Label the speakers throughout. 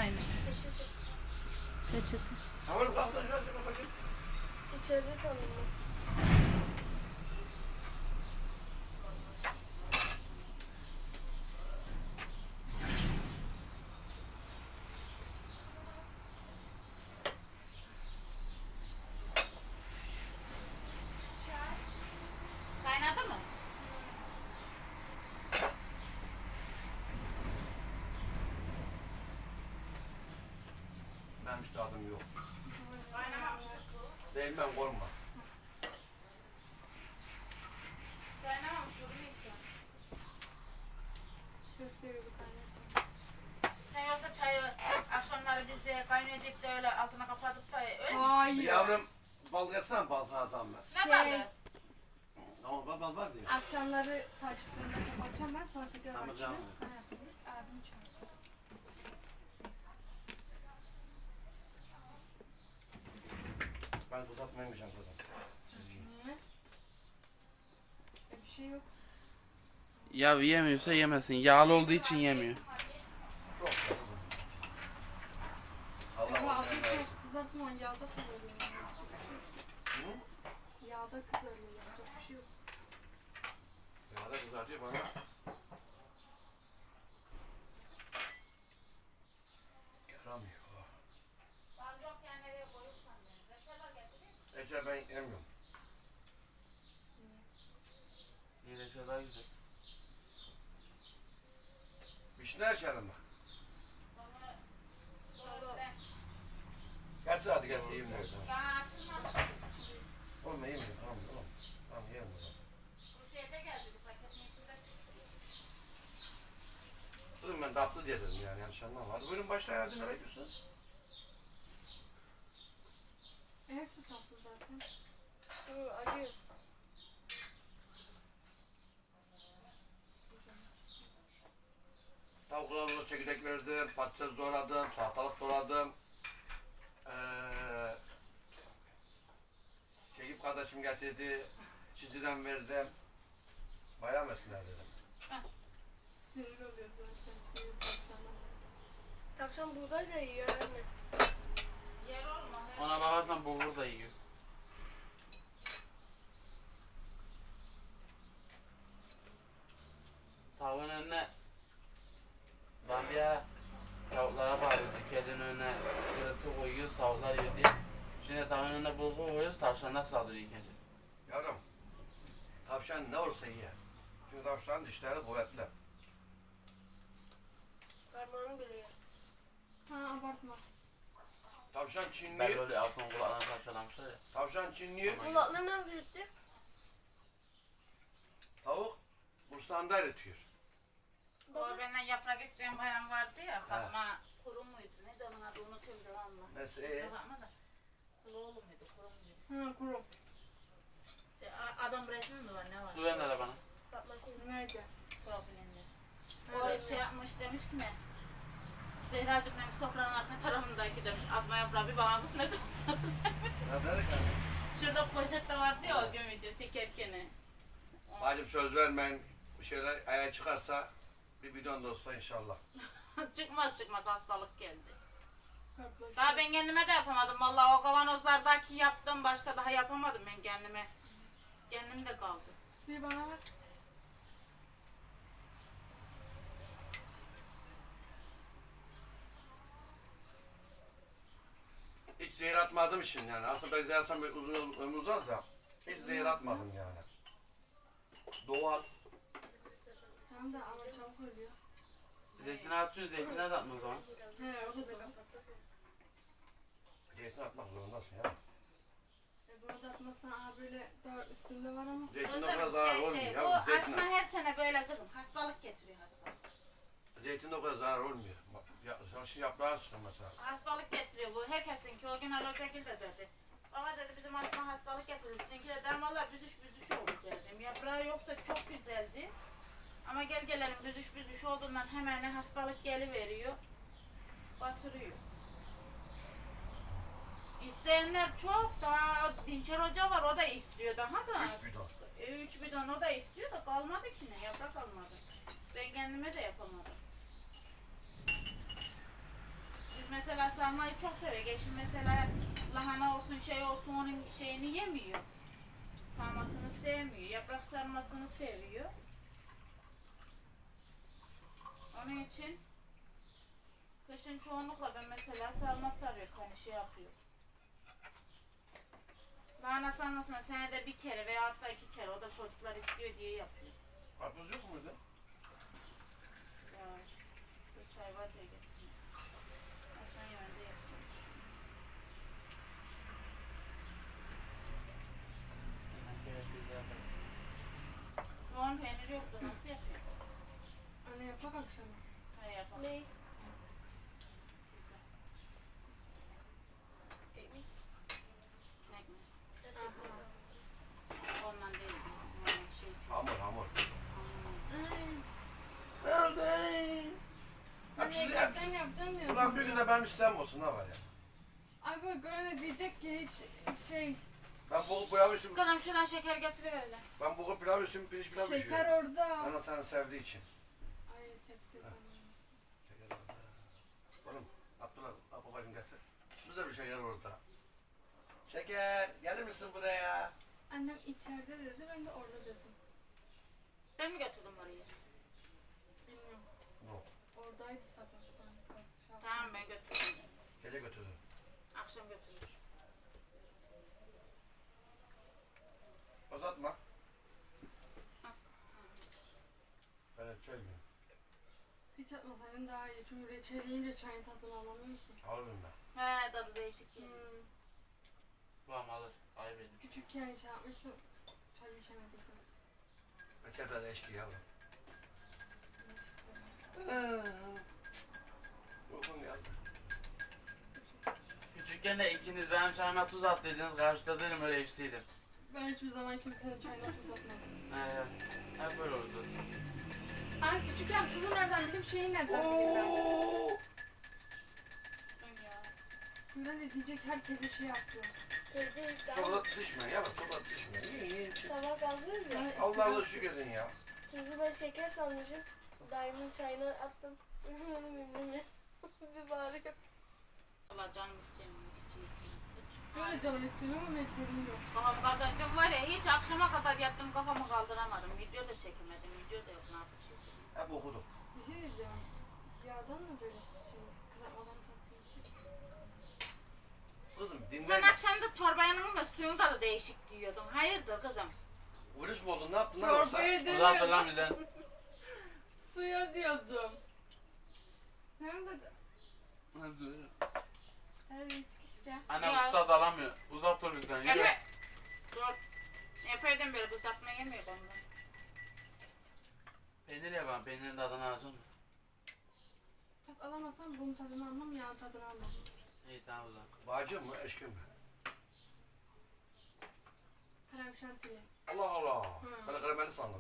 Speaker 1: aynı. Peçete.
Speaker 2: Hamur kalktı şurası bakayım.
Speaker 3: İçeride sanırım.
Speaker 1: Kaynadı mı?
Speaker 2: Benim hiç tadım yok.
Speaker 1: Kaynamamıştır.
Speaker 2: Değil ben korkma.
Speaker 1: Kaynamamış durumuysa.
Speaker 3: Ses geliyordu kaynatın.
Speaker 1: Sen yoksa çayı akşamları bize kaynayacak da öyle altına kapatıp da öyle mi?
Speaker 3: Hayır.
Speaker 2: Yavrum bal yatsana bal sana tamam ben.
Speaker 1: Ne balı?
Speaker 2: Ama bal var diyor.
Speaker 3: Akşamları taştığında kapatacağım ben sonra tekrar
Speaker 2: Tamam
Speaker 3: açacağım.
Speaker 2: canım.
Speaker 3: Abim çağırdı.
Speaker 2: Ben uzatmayacağım kızım.
Speaker 3: Niye? Bir şey yok.
Speaker 4: Ya yemiyorsa yemesin. Yağlı olduğu için yemiyor.
Speaker 2: Çok güzel kızım.
Speaker 3: Ama
Speaker 2: Allah
Speaker 3: abim
Speaker 2: Allah.
Speaker 3: çok kızartma yağda kızarıyor.
Speaker 2: Hı?
Speaker 3: Yağda kızarıyor. Yapacak bir şey yok.
Speaker 2: Ya da kızartıyor bana. Yaramıyor.
Speaker 1: Bal yokken nereye koyursan yani. Reçeler getireyim.
Speaker 2: Ece ben yemiyorum.
Speaker 4: Yine daha güzel.
Speaker 2: Vişne içelim bak.
Speaker 1: Doğru.
Speaker 2: Getir hadi getir yiyeyim diyor.
Speaker 1: Daha açılmamış.
Speaker 2: Oğlum ben yemeyeceğim tamam tamam. Tamam yiyemem o zaman.
Speaker 1: Bu şeyde geldi. Bu paketin içinde çıktı.
Speaker 2: Kızım ben tatlı diye dedim yani yanlış anlama. Hadi buyurun başlayın hadi ne bekliyorsunuz?
Speaker 3: Hepsi tatlı zaten. Acı.
Speaker 2: Tavuklarımıza çekirdek verdim, patates doğradım, salatalık doğradım. Çekip kardeşim getirdi, çiziden verdim. Bayağı mesinler dedim.
Speaker 3: Sinir oluyor zaten. Sinir zaten.
Speaker 5: Akşam buğday da yiyor anne.
Speaker 1: Yer olma.
Speaker 4: Ona bakarsan bulgur da yiyor. Tavuğun önüne ben bir ara tavuklara bağırıyordu. Kedinin önüne kırıntı koyuyoruz, tavuklar yiyor diye. Şimdi tavuğun önüne bulgur koyuyoruz, tavşanlar saldırıyor kedi.
Speaker 2: Yavrum, tavşan ne olursa ye. Çünkü tavşanın dişleri kuvvetli.
Speaker 5: Parmağını bile yer.
Speaker 3: Ha abartma.
Speaker 2: Tavşan
Speaker 4: Ben
Speaker 2: çinliyor,
Speaker 4: böyle altın kulağına parçalamışlar ya.
Speaker 2: tavşan çinliyor,
Speaker 5: Kulakları nasıl gitti?
Speaker 2: tavuk bursağında eritiyor.
Speaker 1: O benden yaprak isteyen bayan vardı ya. Fatma kuru muydu? Ne de onun adı unutuyorum devamlı.
Speaker 2: Mesela
Speaker 1: Bakma da. Kulu muydu? Kuru muydu?
Speaker 3: Ha kuru.
Speaker 1: Adam resmi mi var? Ne var?
Speaker 4: Su ver hele bana.
Speaker 3: Nerede?
Speaker 1: Profilinde.
Speaker 3: Evet.
Speaker 1: O şey yapmış demiş ki ne? Zehracık demiş sofranın arka tarafındaki demiş. Asma yaprağı bir bana kısmet.
Speaker 2: ne dedik hani?
Speaker 1: Şurada poşet de vardı ya o gün video çekerken.
Speaker 2: Bacım söz vermeyin, bir şeyler ayağa çıkarsa bir bidon da olsa inşallah.
Speaker 1: çıkmaz hastalık geldi.
Speaker 3: Kartlaşıyor.
Speaker 1: Daha ben kendime de yapamadım. Vallahi o kavanozlardaki yaptım başka daha yapamadım ben kendime. Kendim de kaldı.
Speaker 3: Suyu bana ver.
Speaker 2: Hiç zehir atmadım şimdi yani. Aslında ben zehir atsam böyle uzun ömür uzar da hiç zehir atmadım yani. Doğal.
Speaker 3: Tamam da ama çabuk ölüyor.
Speaker 4: Zeytine atıyorsun, zeytine de atma o zaman.
Speaker 3: He o da doğru.
Speaker 2: Zeytin atmak zorundasın ya.
Speaker 3: Bunu da atmazsan aha böyle daha üstünde var ama.
Speaker 2: Zeytin o kadar zarar olmuyor
Speaker 1: o
Speaker 2: ya.
Speaker 1: asma her sene böyle kızım. Hastalık getiriyor hastalık.
Speaker 2: Zeytin o kadar zarar olmuyor. Çalışın yaprağını sıkın mesela.
Speaker 1: Hastalık getiriyor bu. Herkesinki o gün Ali Hocagil de dedi. Baba dedi bizim asma hastalık getiriyor. Sizinki de dedim valla büzüş oldu dedim. Yaprağı yoksa çok güzeldi. Ama gelelim büzüş olduğundan hemen hastalık geliveriyor. Batırıyor. İsteyenler çok daha Dinçer Hoca var o da istiyor daha da.
Speaker 2: 3 bidon.
Speaker 1: 3 bidon o da istiyor da kalmadı ki ne yaprak kalmadı. Ben kendime de yapamadım. Gündüz mesela sarmayı çok seviyor. Eşim mesela lahana olsun şey olsun onun şeyini yemiyor. Sarmasını sevmiyor. Yaprak sarmasını seviyor. Onun için kışın çoğunlukla ben mesela sarma sarıyor hani şey yapıyor. Lahana sarmasını senede bir kere veya hatta 2 kere o da çocuklar istiyor diye yapıyor.
Speaker 2: Karpuz yok muydu?
Speaker 1: Ya, bir çay var diye getirdim. Akşam yemeğinde yapsın. Soğan peyniri yoktu nasıl yapıyor?
Speaker 3: Anne yapak akşama.
Speaker 1: Hadi yapalım.
Speaker 5: Ne?
Speaker 1: Ekmek.
Speaker 5: Aha.
Speaker 1: Ondan değil. Ondan şey.
Speaker 2: Hamur hamur.
Speaker 1: Hmm.
Speaker 2: Nerede?
Speaker 3: Anne
Speaker 2: Hepsi
Speaker 3: ekmekten yapacağım diyorsun.
Speaker 2: Ulan bir gün de benim istem olsun ne var ya.
Speaker 3: Ay böyle görene diyecek ki hiç şey
Speaker 2: Ben bu pilav üstüm,
Speaker 1: Kızım şuradan şeker getiriverelim.
Speaker 2: ben bu pilav üstüm pirinç pilav
Speaker 3: şeker
Speaker 2: pişiriyorum.
Speaker 3: orada.
Speaker 2: Sana seni sevdiği için.
Speaker 3: Ay tepsi falan.
Speaker 2: Şeker orada. Oğlum Abdullah babacım getir. Bize bir şeker orada. Şeker gelir misin buraya?
Speaker 3: Annem içeride dedi ben de orada dedim.
Speaker 1: Ben mi götürdüm oraya?
Speaker 3: Bilmiyorum.
Speaker 2: No.
Speaker 3: Oradaydı sabah. Ben şey
Speaker 1: Tamam ben götürdüm.
Speaker 2: Gece götürdüm.
Speaker 1: Akşam götürür.
Speaker 2: Uzatma. Ben çay yiyeyim.
Speaker 3: Hiç atmasaydın daha iyi. Çünkü reçel yiyince çayın tadını alamıyorum ki.
Speaker 2: Alırım ben.
Speaker 1: He tadı değişik geliyor.
Speaker 4: Babam alır. Ayıp edin.
Speaker 3: Küçükken şey yapmıştım. Çay içemedik.
Speaker 2: Reçel biraz eşki yavrum. Uykum geldi.
Speaker 4: Küçükken de ikiniz benim çayıma tuz attıydınız. Karşıda değilim öyle içtiydim.
Speaker 3: Ben hiçbir zaman kimsenin çayına tuz atmadım.
Speaker 4: Hep böyle oldu.
Speaker 3: Ay küçükken tuzu nereden bileyim şeyi nereden bileyim
Speaker 1: Ya.
Speaker 3: ben. Böyle de diyecek herkese şey yapıyor.
Speaker 5: Teyze işte
Speaker 2: Çorba düşme yavrum çorba düşme. Yiyin.
Speaker 5: sabah kalkıyoruz ya.
Speaker 2: Allah Allah şükür edin ya.
Speaker 5: Tuzu ben şeker sanmışım. Daimin çayına attım. Bir bağırıyor.
Speaker 1: Valla canım istemiyor. Hiç iyisin. Hiç.
Speaker 3: Böyle canım istiyor ama mecburum yok.
Speaker 1: Kafam kaldı. Dün var ya hiç akşama kadar yattım kafamı kaldıramadım. Video da çekemedim. Video da yok ne yapacağız.
Speaker 2: Hep okudum.
Speaker 3: Bir şey diyeceğim. Yağdan mı böyle şey? Kızartmadan tatlı şey?
Speaker 2: Kızım
Speaker 1: Sen
Speaker 2: dinle.
Speaker 1: akşam da çorba yanında suyun tadı değişik diyordun. Hayırdır kızım?
Speaker 2: Virüs mü oldun ne yaptın lan yoksa?
Speaker 3: Çorbayı
Speaker 4: Bu da hatırlam
Speaker 3: demiyordum.
Speaker 4: bizden.
Speaker 3: Suya diyordum. Hem de evet işte.
Speaker 4: Anne
Speaker 1: Ya.
Speaker 4: bu tadı alamıyor. Uzak dur bizden. Yürü.
Speaker 1: Eme. Dur. Epeyden beri kızartma yemiyor ondan.
Speaker 4: Peynir ye bana. Peynirin tadını alacak mı?
Speaker 3: Tat alamazsam bunun tadını almam, yağın tadını almam.
Speaker 4: İyi tamam o zaman.
Speaker 2: Bacım mı eşkin mi?
Speaker 3: Krem şantili.
Speaker 2: Allah Allah.
Speaker 3: Hı.
Speaker 2: Ben karameli sandım.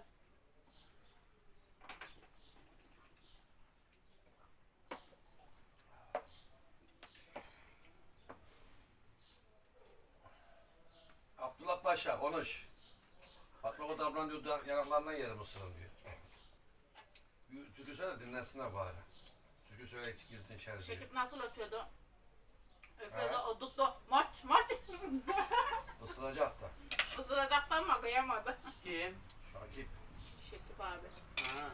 Speaker 2: Abdullah Paşa konuş. Fatma Kod ablan diyor yanaklarından yerim ısırın diyor. Türkü söyle dinlensinler bari. Türkü söyle girdin içeri diyor.
Speaker 1: Şekip nasıl ötüyordu? Öpüyordu
Speaker 2: Ha.
Speaker 1: o tuttu. Mart mart.
Speaker 2: Isıracak da.
Speaker 1: Isıracaktan mı kıyamadı.
Speaker 4: Kim?
Speaker 2: Şakip.
Speaker 1: Şekip abi.
Speaker 4: Ha.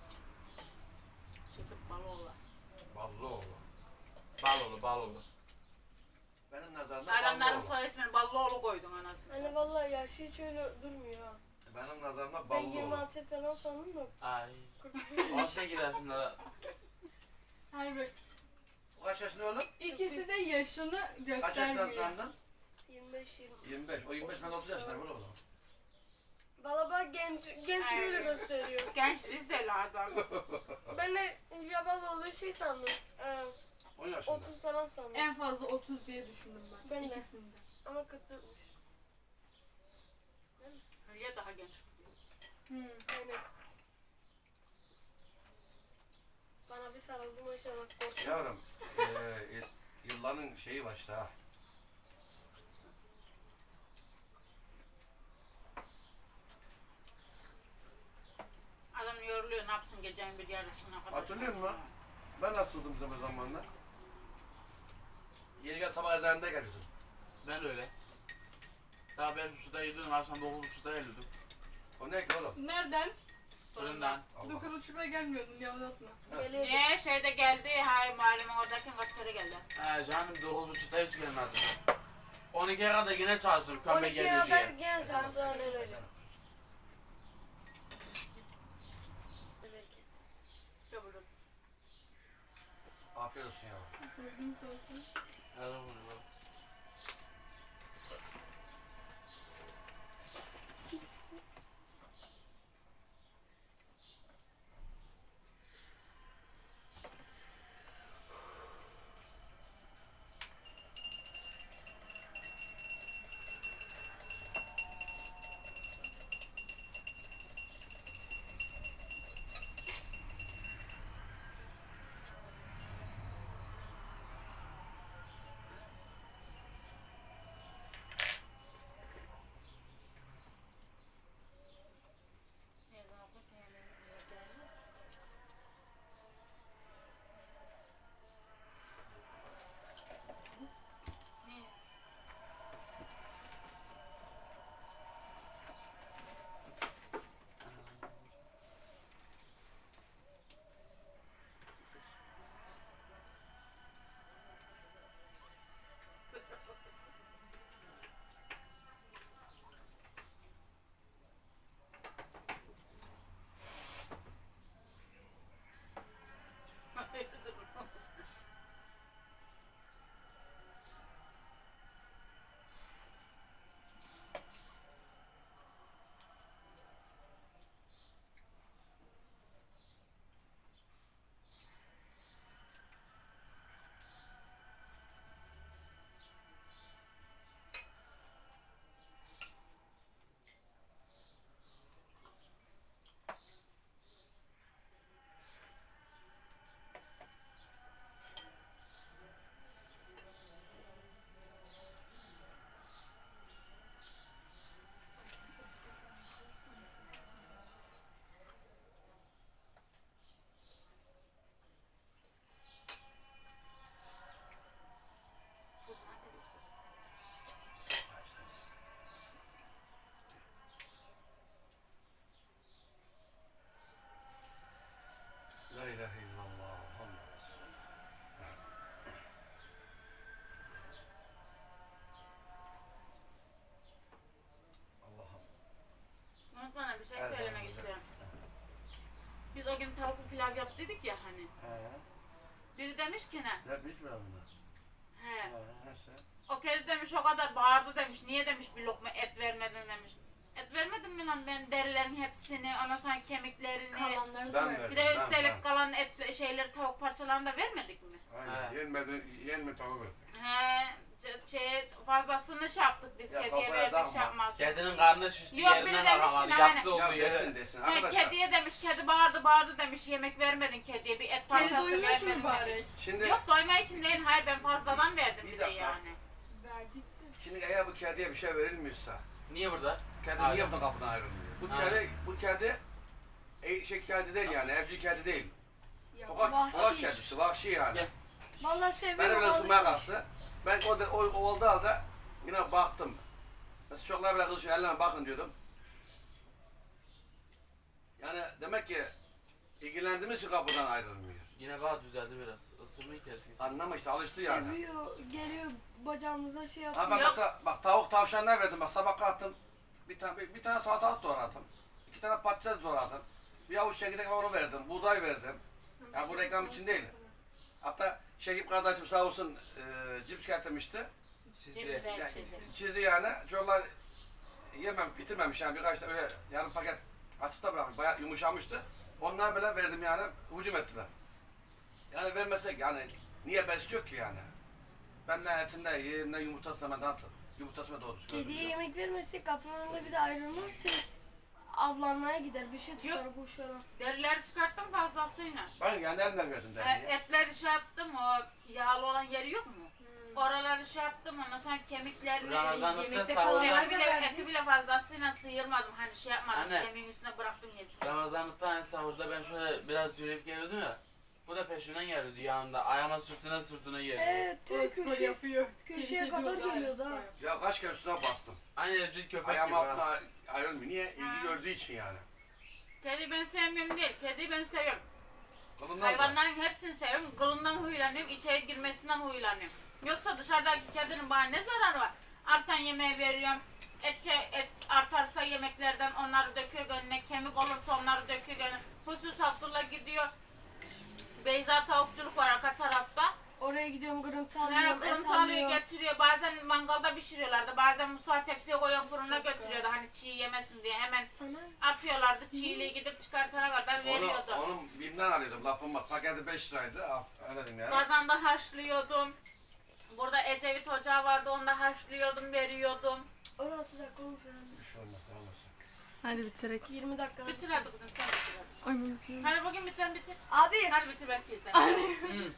Speaker 1: Şekip Baloğlu.
Speaker 2: Ballıoğlu.
Speaker 4: Balolu.
Speaker 2: Benim nazarımda
Speaker 1: Adamların
Speaker 2: Ballıoğlu.
Speaker 1: soy ismini Ballıoğlu koydun anasını.
Speaker 5: Anne vallahi yaşı hiç öyle durmuyor ha.
Speaker 2: Benim nazarımda
Speaker 5: Ben
Speaker 2: Ballıoğlu.
Speaker 5: 26 falan sandım da.
Speaker 4: Ay. 18 yaşında.
Speaker 3: Hayır bak.
Speaker 2: O kaç yaşında oğlum?
Speaker 3: İkisi de yaşını
Speaker 2: Kaç yaşında
Speaker 3: göstermiyor.
Speaker 2: sandın?
Speaker 5: 25-20.
Speaker 2: 25. O 25 ben 30 yaşındayım oğlum.
Speaker 5: Valla bak genç öyle gösteriyor.
Speaker 1: Genç Rizeli adam.
Speaker 5: Ben de Hülya Baloğlu şey sandım.
Speaker 2: 10 yaşında.
Speaker 5: 30 falan sandım.
Speaker 3: En fazla 30 diye düşündüm ben.
Speaker 5: Ben de.
Speaker 3: İkisinde.
Speaker 5: Ama 40'mış.
Speaker 1: Hülya daha genç duruyor.
Speaker 5: Aynen. Bana bir sarıldı maşallah korktum.
Speaker 2: Yavrum, yılların şeyi var işte ha.
Speaker 1: Adam yoruluyor ne yapsın gecenin bir yarısına kadar.
Speaker 2: Hatırlıyor musun? Ben nasıldım zaman zamanlar? Geri gel sabah ezanında geliyordun.
Speaker 4: Ben öyle. Daha 5.30'da yedim, akşam 9.30'da geliyordum.
Speaker 2: O ne ki oğlum?
Speaker 3: Nereden?
Speaker 4: Fırından.
Speaker 2: Allah.
Speaker 3: 9.30'da gelmiyordun ya uzatma.
Speaker 5: Geliyor.
Speaker 1: Niye şeyde geldi, hay mahallemin oradaki kaç kere geldi.
Speaker 4: He canım 9.30'da hiç gelmezdim. 12'ye kadar yine çalıştım kömbe
Speaker 5: 12'ye
Speaker 4: geliyor
Speaker 5: kadar
Speaker 4: diye.
Speaker 5: gel sen sonra hocam. Bereket.
Speaker 1: Kabul et.
Speaker 2: Afiyet olsun ya.
Speaker 3: Gözünü seveyim.
Speaker 4: Evet, bunu.
Speaker 1: Ne zaman bu peynirin gelmez. Ne? Hayırdır oğlum?
Speaker 2: La ilahe illallah. Muhammed Resulullah. Allah'ım.
Speaker 1: Unutmadan bir şey
Speaker 2: Evet,
Speaker 1: söylemek
Speaker 2: evet.
Speaker 1: istiyorum. Biz o gün tavuklu pilav yaptıydık ya hani.
Speaker 2: He.
Speaker 1: Biri demiş ki ne?
Speaker 2: Ne bilmiyorum bunu.
Speaker 1: He.
Speaker 2: Neyse.
Speaker 1: O kedi demiş o kadar bağırdı demiş. Niye demiş bir lokma et vermedin demiş. Et vermedim mi lan ben derilerin hepsini, ondan sonra kemiklerini.
Speaker 3: Kalanları da
Speaker 2: Ben
Speaker 3: ver.
Speaker 2: verdim.
Speaker 1: Bir de
Speaker 2: ben.
Speaker 1: üstelik kalan et şeyleri tavuk parçalarını da vermedik mi?
Speaker 2: Aynen.
Speaker 4: He.
Speaker 2: Yenmedi tavuk verdi.
Speaker 1: He, fazlasını şey yaptık biz
Speaker 2: Ya
Speaker 1: kediye
Speaker 2: kafaya
Speaker 1: verdik
Speaker 2: takma.
Speaker 1: şey yapmazdık.
Speaker 4: Kedinin karnı şişti
Speaker 1: Yok,
Speaker 4: yerinden
Speaker 1: biri demiş ki
Speaker 4: akamadı.
Speaker 1: ne
Speaker 4: Yattı
Speaker 1: hani-
Speaker 2: Ya
Speaker 4: olduğu
Speaker 2: desin
Speaker 4: yere.
Speaker 2: desin.
Speaker 1: He,
Speaker 2: Arkadaşlar.
Speaker 1: kediye demiş kedi bağırdı demiş yemek vermedin kediye bir et
Speaker 3: Kedi
Speaker 1: parçası
Speaker 3: doymuş
Speaker 1: vermedin.
Speaker 3: mu bari?
Speaker 2: Şimdi
Speaker 1: Yok doyma için değil hayır ben fazladan verdim
Speaker 2: Bir
Speaker 1: bir de
Speaker 2: dakika.
Speaker 1: yani.
Speaker 3: Verdik de.
Speaker 2: Şimdi eğer bu kediye bir şey verilmiyorsa,
Speaker 4: Niye burada?
Speaker 2: kedi
Speaker 4: Aynen.
Speaker 2: niye bu kapıdan ayrılmıyor?
Speaker 4: Aynen.
Speaker 2: Bu kedi kedi değil yani, evcil kedi değil.
Speaker 3: Ya,
Speaker 2: Sokak kedisi, vahşi yani.
Speaker 4: Gel.
Speaker 5: Vallahi seviyorum.
Speaker 2: Beni böyle ısınmaya
Speaker 5: alışmış.
Speaker 2: kalktı. Ben o oldu halde yine baktım. Mesela çocuklar bile kızışıyor, ellerine bakın diyordum. Yani demek ki ilgilendiğimiz için kapıdan ayrılmıyor.
Speaker 4: Yine bak düzeldi biraz. Isırmayı keskin.
Speaker 2: Anlama işte alıştı yani.
Speaker 3: Seviyor, geliyor bacağımıza şey
Speaker 2: Ha
Speaker 3: yapıyor.
Speaker 2: ben
Speaker 1: Yok.
Speaker 2: mesela bak tavuk tavşanlar verdim. Bak sabah kalktım. Bir tane salatalık doğradım. 2 tane patates doğradım. Bir avuç çekirdek var onu verdim. Buğday verdim. Ya bu reklam için değil. Hatta Şekip kardeşim sağ olsun cips getirmişti.
Speaker 4: Sizi.
Speaker 1: Hepsi de
Speaker 2: Yani,
Speaker 1: çizim.
Speaker 2: çizdi yani. Çocuklar bitirmemiş yani birkaç tane öyle yarım paket açıkta bırakmış. Bayağı yumuşamıştı. Onlara böyle verdim yani. Hücum ettiler. Yani vermesek yani niye besliyor ki yani? Ben ne etinde yiyeyim ne yumurtasına ben dağıtırım. Yumurtasına doğru düzgün.
Speaker 5: Kediye yemek vermezsek kapının önünde bir de ayrılmazsa avlanmaya gider. Bir şey tutar kuşlara.
Speaker 1: Derileri çıkarttım fazlasıyla.
Speaker 2: Ben kendi elimle verdim dergiye.
Speaker 1: Etleri şey yaptım o yağlı olan yeri yok mu? Oraları şey yaptım ondan sonra kemiklerini
Speaker 4: Ramazanlıkta
Speaker 1: yemekte
Speaker 4: sağlığa-
Speaker 1: kalan eti bile fazlasıyla sıyırmadım hani şey yapmadım
Speaker 4: Anne.
Speaker 1: kemiğin üstüne bıraktım yesin.
Speaker 4: Ramazanlıkta hani sahurda ben şöyle biraz yürüyüp geliyordum ya. Bu da peşimden geliyordu yanımda. Ayağıma sırtına geliyor.
Speaker 5: Evet,
Speaker 3: O
Speaker 5: tüm
Speaker 3: spor
Speaker 5: köşe,
Speaker 3: yapıyor.
Speaker 5: köşeye
Speaker 3: Kedi
Speaker 5: kadar
Speaker 3: diyorlar,
Speaker 5: geliyordu
Speaker 3: spor
Speaker 5: ha.
Speaker 3: yapıyor.
Speaker 2: Ya kaç kere üstüne bastım.
Speaker 4: Aynı evcil köpek
Speaker 2: Ayağım
Speaker 4: gibi ha.
Speaker 2: altına ayrılmıyor. Niye? İlgi
Speaker 1: Ha.
Speaker 2: gördüğü için yani.
Speaker 1: Kedi ben sevmiyorum değil. Kediyi ben seviyorum.
Speaker 2: Kılından da.
Speaker 1: Hayvanların hepsini seviyorum. Kılından huylanıyorum. İçeri girmesinden huylanıyorum. Yoksa dışarıdaki kedinin bana ne zararı var? Artan yemeği veriyorum. Et artarsa yemeklerden onları döküyor önüne. Kemik olursa onları döküyor önüne. Husus Abdullah gidiyor. Beyza tavukçuluk var arka tarafta.
Speaker 5: Oraya gidiyorum, kırıntı
Speaker 1: Ne
Speaker 5: alıyorum, et
Speaker 1: kırıntı alıyor
Speaker 5: alıyorum.
Speaker 1: getiriyor. Bazen mangalda pişiriyorlardı. Bazen mutfağa tepsiye koyuyor fırına götürüyordu. Hani çiğ yemesin diye hemen
Speaker 5: Sana
Speaker 1: atıyorlardı. Çiğliği gidip çıkartana kadar veriyordu.
Speaker 2: Onun BİM'den alıyordum. Lafım var. Paketi 5 liraydı. Al, öyle diyeyim yani.
Speaker 1: Kazanda haşlıyordum. Burada Ecevit Ocağı vardı. Onda haşlıyordum, veriyordum.
Speaker 5: 16 dakika olmuş herhalde.
Speaker 2: Bir şey olmaz. Ne olursa.
Speaker 3: Hadi bitirek.
Speaker 5: 20 dakika.
Speaker 1: Bitir hadi kızım sen bitir hadi.
Speaker 3: Ay mümkün.
Speaker 1: Hadi bugün bir sen bitir.
Speaker 5: Abi,
Speaker 1: Hadi bitir belki izle.
Speaker 4: Hı.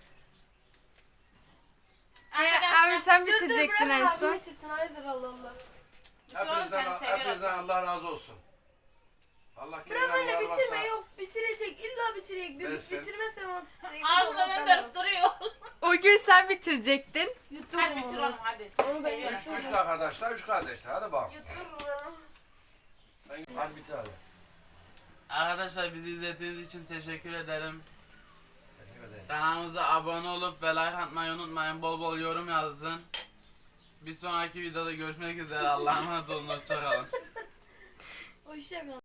Speaker 3: Abi sen
Speaker 5: dur dur
Speaker 3: bitirecektin
Speaker 5: bırak
Speaker 3: en
Speaker 5: abi
Speaker 3: son.
Speaker 5: bitirsin. Hayırdır Allah Allah.
Speaker 2: Hepinizden Allah razı olsun. Allah
Speaker 5: Biraz
Speaker 2: kendinden
Speaker 5: öyle
Speaker 2: var
Speaker 5: bitirme
Speaker 2: varsa.
Speaker 5: yok. Bitirecek. İlla bitirecek. Bir
Speaker 2: Versin.
Speaker 5: bitirmezsen o...
Speaker 1: Ağzından dönüp duruyor.
Speaker 3: O gün sen bitirecektin.
Speaker 1: Hadi bitir oğlum hadi.
Speaker 5: Onu ben
Speaker 1: Seviyorum.
Speaker 5: yaşıyorum.
Speaker 2: Üç arkadaşlar, 3 kardeşler. Hadi bakalım.
Speaker 5: Yuturum.
Speaker 2: Hadi bitir hadi.
Speaker 4: Arkadaşlar bizi izlediğiniz için teşekkür ederim.
Speaker 2: Teşekkür ederim.
Speaker 4: Kanalımıza abone olup ve like atmayı unutmayın. Bol bol yorum yazın. Bir sonraki videoda görüşmek üzere. Allah'a emanet olun. Hoşçakalın.
Speaker 5: Hoşçakal.